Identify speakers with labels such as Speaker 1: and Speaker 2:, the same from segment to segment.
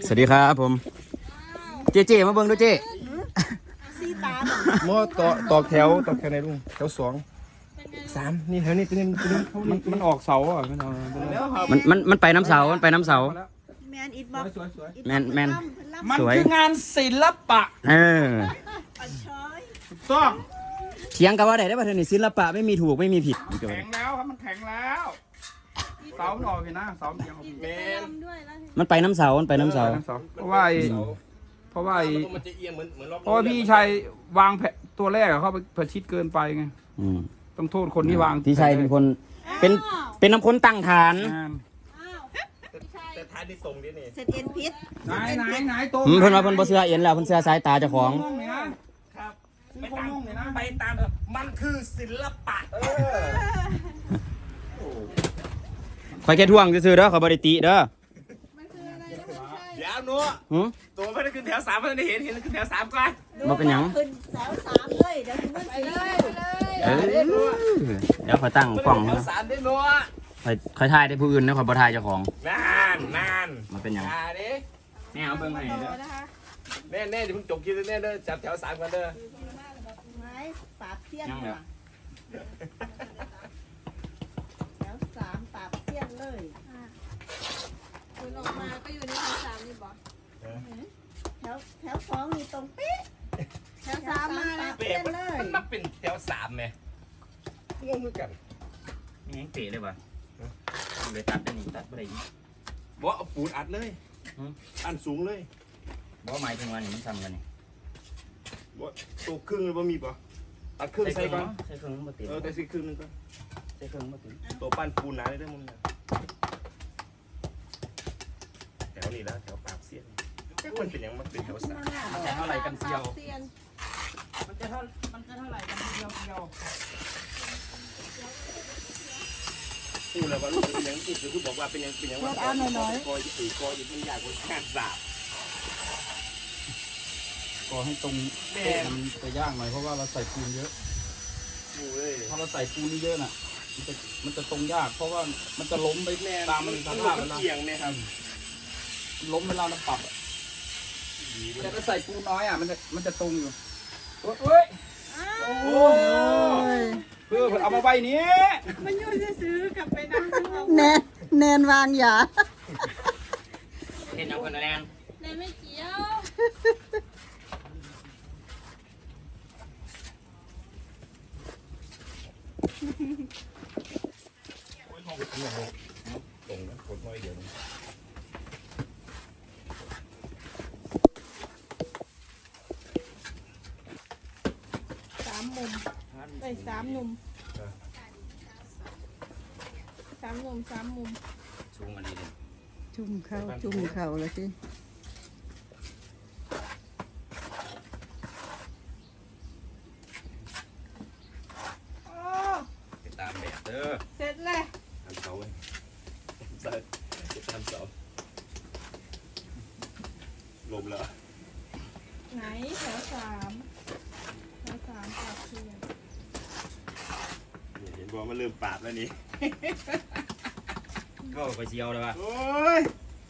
Speaker 1: สวัสดีครับผมเจมาเบิ่งดูเจ
Speaker 2: ซีตา
Speaker 3: หม้อต่อแถวในลุงแถวสองสามนี่แถวนี้ตัวนี้มันออกเสาอ่ะ
Speaker 1: มันไปน้ำเสามันไปน้ำเสา
Speaker 2: แมนอิดบอก
Speaker 1: แมน
Speaker 3: มันคืองานศิลปะ
Speaker 2: ต้อง
Speaker 1: เถียงกันว่าไหนได้ป่ะเธอนี่ศิลปะไม่มีถูกไม่มีผิด
Speaker 3: แข็งแล้วครับมันแข็งแล้วเสามันออกเห็นนะเสาเอียงเมน
Speaker 1: มันไปน้ำเสา
Speaker 3: เพราะว่าพี่ชัยวางแผนตัวแรกเขาประชิดเกินไปไงต้องโทษคนที่วาง
Speaker 1: พี่ชัยเป็นคนเป็นน้ำค้นตั้งฐาน
Speaker 4: แต่ฐานที่ส่งนี่
Speaker 2: เสร็จเอ็นพิษ
Speaker 3: ไหนโต
Speaker 1: เพิ่นว่าเพิ่นบ่เชื่อเอ็นแล้วเพิ่นเชื่อสายตาเจ้าของ
Speaker 4: ครับไปตามมันคือศิลปะ
Speaker 1: คอยแค่ท่วงซื่อๆเด้อขอยบ่ได้ติเด้อ
Speaker 4: เดี๋ยวนัวตัวไม่ได้ขึ้นแถว3ไม่ได้เห็นขึ้นแถว3ก่อน
Speaker 1: บ่เป็นหยัง
Speaker 2: ขึ้นแถว3เลยเดี๋ยวขึ้นไปเลย
Speaker 1: เดี๋ยวขอยตั้งกล้อง
Speaker 4: แถว3ได้นัว
Speaker 1: คอยถ่ายได้ผู้อื่นนะขอยบ่ถ่ายเจ้าของ
Speaker 4: นั่น
Speaker 1: มันเป็นหยังแม่เอาเบิ่งให้เด้อ
Speaker 4: แน่จะเพิ่งจบคิดแน่เด้อจับแถว3กันเด้อ
Speaker 2: ไม้ปราบเสี้ยนแถว3ปราบเสี้ยนเลย
Speaker 5: คุณออกมาก็อยู่ในแถว3นี่บอก
Speaker 2: แถว2นี่ตรงปิ๊ะแถว3มาแล้วเสี้ยนเลย
Speaker 4: มันมาเป็นแถว3ไหมงงเหมือนกัน
Speaker 1: ยังเตะเลยป่ะเลยตัดได้นี่ตัดบ่ได้อีก
Speaker 4: บ่เอาปูนอัดเลยอันสูงเลย
Speaker 1: บ่หมายถึงว่านี่มันซ้ำกันนี่
Speaker 4: บ่ตัวครึ่งเลยบ่มีป่ะตัดครึ่งใส่ก่อน
Speaker 1: ใส่ครึ่งบ่ติด
Speaker 4: แต่สิครึ่งนึงก่อน
Speaker 1: ใส่ครึ่งบ่ติด
Speaker 4: ตัวปั้นปูนหนาเลยเด้อมึงแถวนี้แล้วแถวปากเสี้ยนมันเป็นยังมันเป็นแถว3
Speaker 1: มันจะเท่าไหร่กันเซียว
Speaker 3: มันจะเท่าไหร่กันเดียว
Speaker 4: พูดแล้วว่าลูกเป็นยังอีกคือบอกว่าเป็นยังว่าคอยตีคอยอยู่มันใหญ่กว่าแค่สาบ
Speaker 3: ก็ให้ตรงมันจะยากหน่อยเพราะว่าเราใส่ปูนเยอะถ้าเราใส่ปูนเยอะน่ะมันจะตรงยากเพราะว่ามันจะล้มไปตามมันสภาพแล้ว
Speaker 4: เอียงเนี่ยครับ
Speaker 3: ล้มเวลาเราปรับแต่ถ้าใส่ปูนน้อยอ่ะมันจะตรงอยู่โอ้ยเพื่อเอามาใบนี้
Speaker 2: มันอยู่จะซื้อกลับไปนะแนนวางยา
Speaker 1: เห็นเอาคนแนน
Speaker 5: ไม่เกี่ยว
Speaker 4: ตรงนะกดน้อยเดียว
Speaker 5: 3 มุมไป3 มุม3 มุม
Speaker 1: สูงอันนี้เลย
Speaker 2: จุ่มเข่าเลยสิ
Speaker 4: ตามแบบเด้อ
Speaker 5: เสร็จเลย
Speaker 4: ทำเสาทำเสาลมแล้ว
Speaker 5: ไหนแถว3ปากเสี้ยน
Speaker 4: เห็นบอกมันเริ่มปราบแล้วนี่
Speaker 1: ก็ไปเชียวเลยว่ะ
Speaker 4: โอ้ย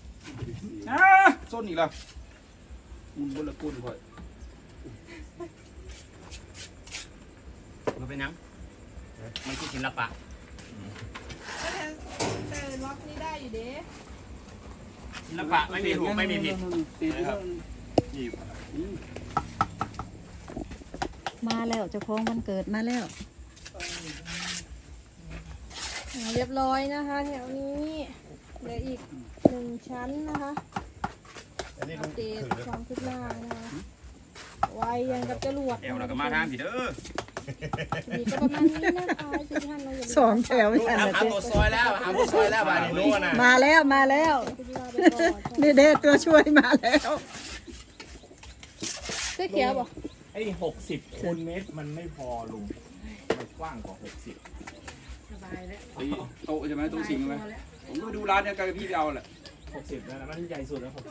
Speaker 3: ส้นอีกแล้วมุนบนละกุนค่อย
Speaker 1: มันเป็นยังมันคือศิลปะ
Speaker 5: แต่ล็อกนี่ได้อยู่เด้
Speaker 1: ศิลปะไม่มีถูกไม่มีผิด
Speaker 4: นะครับนี่
Speaker 2: มาแล้วเจ้าของวันเกิดมาแล้ว
Speaker 5: เรียบร้อยนะคะแถวนี้เหลืออีก1 ชั้นนะคะอัปเดตความคืบหน้านะคะไวยังกับจรวด
Speaker 1: เราก็มาทางผิด
Speaker 5: นี่ก็ประมาณนี้นะคะสิท่านเราอย่าลืม
Speaker 2: 2 แถวไม่ทันเลย
Speaker 4: หาตัวซอยแล้วบ้านนี้นะ
Speaker 2: มาแล้วนี่เด็ตัวช่วยมาแล้ว
Speaker 5: เสื้อเขียวบอก
Speaker 4: ไอ้60 คูณเมตรมันไม่พอลุงมันกว้างกว่า60
Speaker 3: สบายแล้วโต๊ะใช่ไหมโต๊ะสิงไหมผมก็ดูร้านเนี่ยกับพี่ไปเอาแหละ
Speaker 4: 60แล้วนะมันใหญ่สุดแล้ว60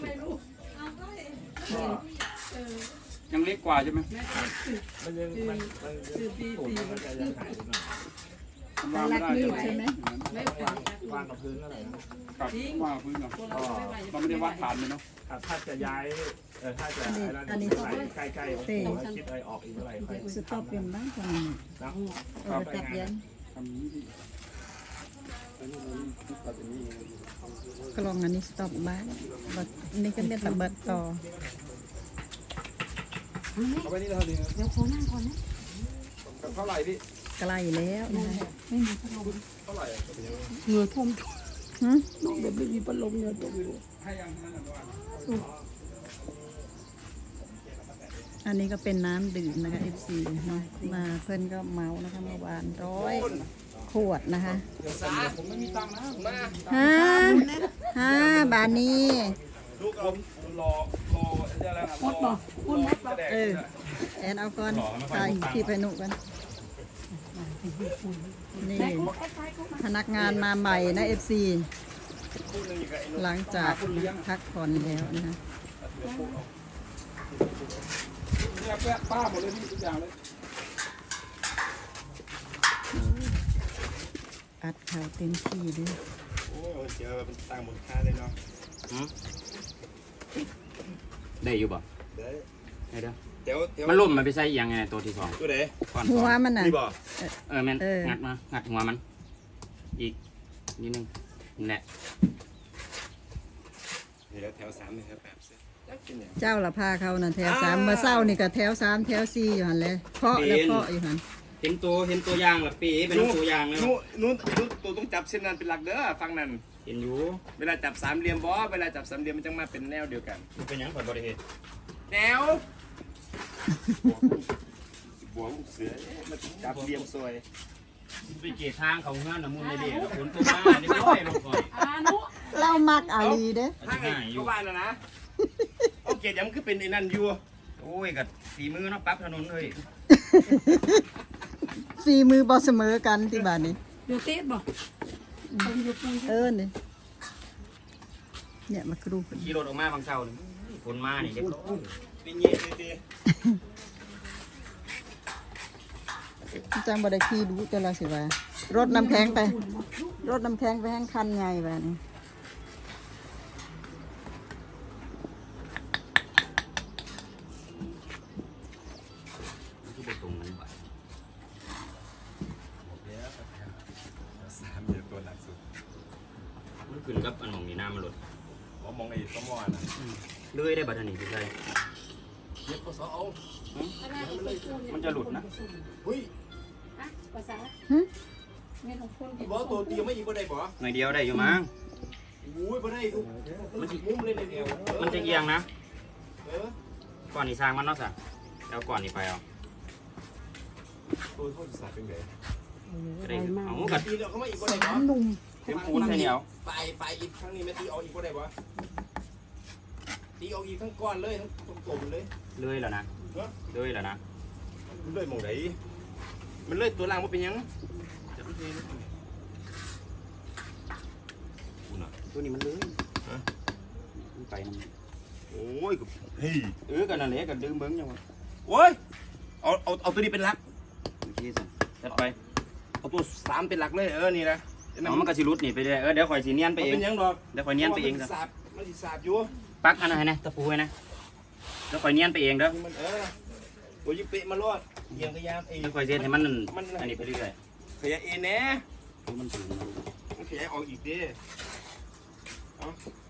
Speaker 3: ยังเล็กกว่าใช่ไหม
Speaker 4: มันมันจะยังหายหน่อย
Speaker 3: วางไม่ได้
Speaker 2: ใช่ไหม
Speaker 4: วางกับพื้นอะไรนะครับ
Speaker 3: วางกับพื้นก่อนเราไม่ได้วัดฐานเลยเนาะ
Speaker 4: ถ้าจะย้ายถ้าจะอะไรใกล้ๆผมคิดอะไรออกอีกเมื่อไหร่ค่อย
Speaker 2: สต็อปเป็นบ้างตรงนี้
Speaker 4: นะ
Speaker 2: ตัดเย็น
Speaker 3: ทำนี้ดิอันนี้ตัดอย่างนี้
Speaker 2: กลองอันนี้สต็อปบ้างนี่ก็เป็นตะเบิดต่อ
Speaker 3: เอาไปนี่เท่านี้เดี๋ยวโค้งนั่งก่อนนะเท่าไหร่พี่
Speaker 2: ไกลแล้วนะคะ
Speaker 3: เท่าไหร่
Speaker 2: เหงื่อท่วมฮึ
Speaker 3: แบบไม่มีพัดลมเนี่ยตกอยู่ให้ยังนั่นน่ะว่า
Speaker 2: อันนี้ก็เป็นน้ำดื่มนะคะ FC เนาะมาเพื่อนก็เมานะคะเมื่อวาน100 ขวดนะคะ
Speaker 3: ผมไม่มีตังค์นะมา
Speaker 2: บาทนี้
Speaker 3: ลูกเอารออะไรนะรอแดก
Speaker 2: แอนเอาก่อนใส่ที่ไปหนุกันนี่พนักงานมาใหม่นะ FC หลังจากพักผ่อนแล้วนะคะ
Speaker 3: เนี่ยแปะป้าหมดเลยพี่ทุกอย่างเลย
Speaker 2: อัดแถวเต็มที่ด้วย
Speaker 4: โอ้ยเจอเป็นต่างมูลค่าเลยเนาะ
Speaker 1: ได้อยู่บ่
Speaker 4: เดี๋ยว
Speaker 1: ได้เด้อ
Speaker 4: เดี๋ยว
Speaker 1: มันล่มมันไปใส่อีหยังไงตัวที่สอง
Speaker 4: ตัวไหน
Speaker 1: ก่อน
Speaker 2: หัวมันน่ะ
Speaker 4: นี่บ่
Speaker 1: แม่นงัดมางัดหัวมัน อีกนิดนึงนี่แหละ
Speaker 4: เดี๋ยวแถว3นี่ครับแบบกินเนี่ย
Speaker 2: เจ้าละพาเขาน่ะแถว3เมื่อเช้านี่ก็แถว3แถว4อยู่หันเลยเคาะแล้วเคาะอยู่หัน
Speaker 1: เห็นตัวอย่างละปีเป็นตัวอย่างเลย
Speaker 4: นู้นตัวต้องจับเส้นนั้นเป็นหลักเด้อฟังนั่น
Speaker 1: เห็นอยู่
Speaker 4: เวลาจับ3เหลี่ยมบ่เวลาจับ3เหลี่ยมมันจะมาเป็นแนวเดียวกัน
Speaker 1: เป็นหยังข่อยบ่ได้เฮ็ด
Speaker 4: แนวบัวลูกเสือมันจับเหลี่ยมสวย
Speaker 1: ไปเกตทางเขาเฮือนน่ะมุนในเด้แล้วฝนตกมานี่บ่ได้ลงก่อน
Speaker 2: เรามักอาลีเด้
Speaker 4: ถ้าไงก็ว่าแล้วนะโอเคยังคือเป็นไอ้นั่นอยู่
Speaker 1: โอ้ยก็ฝีมือเนาะปรับถนนเฮ้ย
Speaker 2: ฝีมือบ่เสมอกันที่บ้านนี้
Speaker 5: อยู่ติดบ่
Speaker 2: นี่เนี่ยมากรู
Speaker 1: ขี่รถออกมาบางเช้านี่ฝนมานี่เรียบร้อย
Speaker 4: เป็นเงี้ยดี
Speaker 2: จังบ่ได้ขี่ดูแต่ละสิว่ารถน้ำแข็งไปให้คันใหญ่บ้านี้
Speaker 1: ที่บ่ตรงนั้นบ่
Speaker 4: 3เหลี่ยมตัวหนักสุด
Speaker 1: มันขึ้นกับอันของนี่น้ำมันลด
Speaker 4: ผมมองไอ้ต้มมอนะ
Speaker 1: เลื่อยได้บัดนี้พี่ชาย
Speaker 4: เย็บข้อศอกเอา
Speaker 1: มันจะหลุดนะ
Speaker 4: หุ้ย
Speaker 5: ภาษา
Speaker 2: หึ
Speaker 5: เงินของคน
Speaker 4: บ่ตัวเตียวไม่อีกบ่ได้บ่
Speaker 1: หน่อยเดียวได้อยู่มั้ง
Speaker 4: อุ้ยบ่ได้ทุกมันสิมุ้มเลยในเดียว
Speaker 1: มันจะเอียงนะ
Speaker 4: เออ
Speaker 1: ก่อนนี่สร้างมันเนาะสะแล้วก่อนนี่ไปเอา
Speaker 4: ตัวเขาสิสาเป็นไง
Speaker 1: จะได้เอากัด
Speaker 4: ตีแล้วเขาไม่อีกบ่ได้บ่
Speaker 1: เป็นปูนใส่เหนียว
Speaker 4: ไปอีกครั้งนี้ไม่ตีออกอีกบ่ได้บ่ตีออกอีกทั้งก้อนเลยทั้งกลมเลย
Speaker 1: เลื่อยแล้วนะเลื่อยแล้วนะ
Speaker 4: มันเลยมองไหนมันเลยตัวล่างว่าเป็นยัง
Speaker 1: ตัวนี้มันเลื่อยมันไปมัน
Speaker 4: โอ้ยเฮ้ย
Speaker 1: กันนั่นแหละกันดึงเบิ้งยังวะ
Speaker 4: โอ้ยเอาตัวนี้เป็นหลัก
Speaker 1: โอเคสิจัดไป
Speaker 4: เอาตัว3เป็นหลักเลยนี่นะ
Speaker 1: เอามันก็สิรุดนี่ไปเรื่อยเดี๋ยวข่อยสิเนียนไปเอง
Speaker 4: เป็นยังดอก
Speaker 1: เดี๋ยวข่อยเนียนไปเอง
Speaker 4: มัน
Speaker 1: ซะ
Speaker 4: สิสาบอยู่
Speaker 1: ปักอันนั้นให้นะตะปูให้นะเดี๋ยวข่อยเนียนไปเองเด้อ
Speaker 4: มันตัวยิบเปะมาลอดเอียงขยามเอง
Speaker 1: เดี๋ยวข่อยเซ็นให้มันอันนี้ไปเรื่อย
Speaker 4: ขยายเองแน่
Speaker 1: มันถึง
Speaker 4: มันขยายออกอีกดิเอา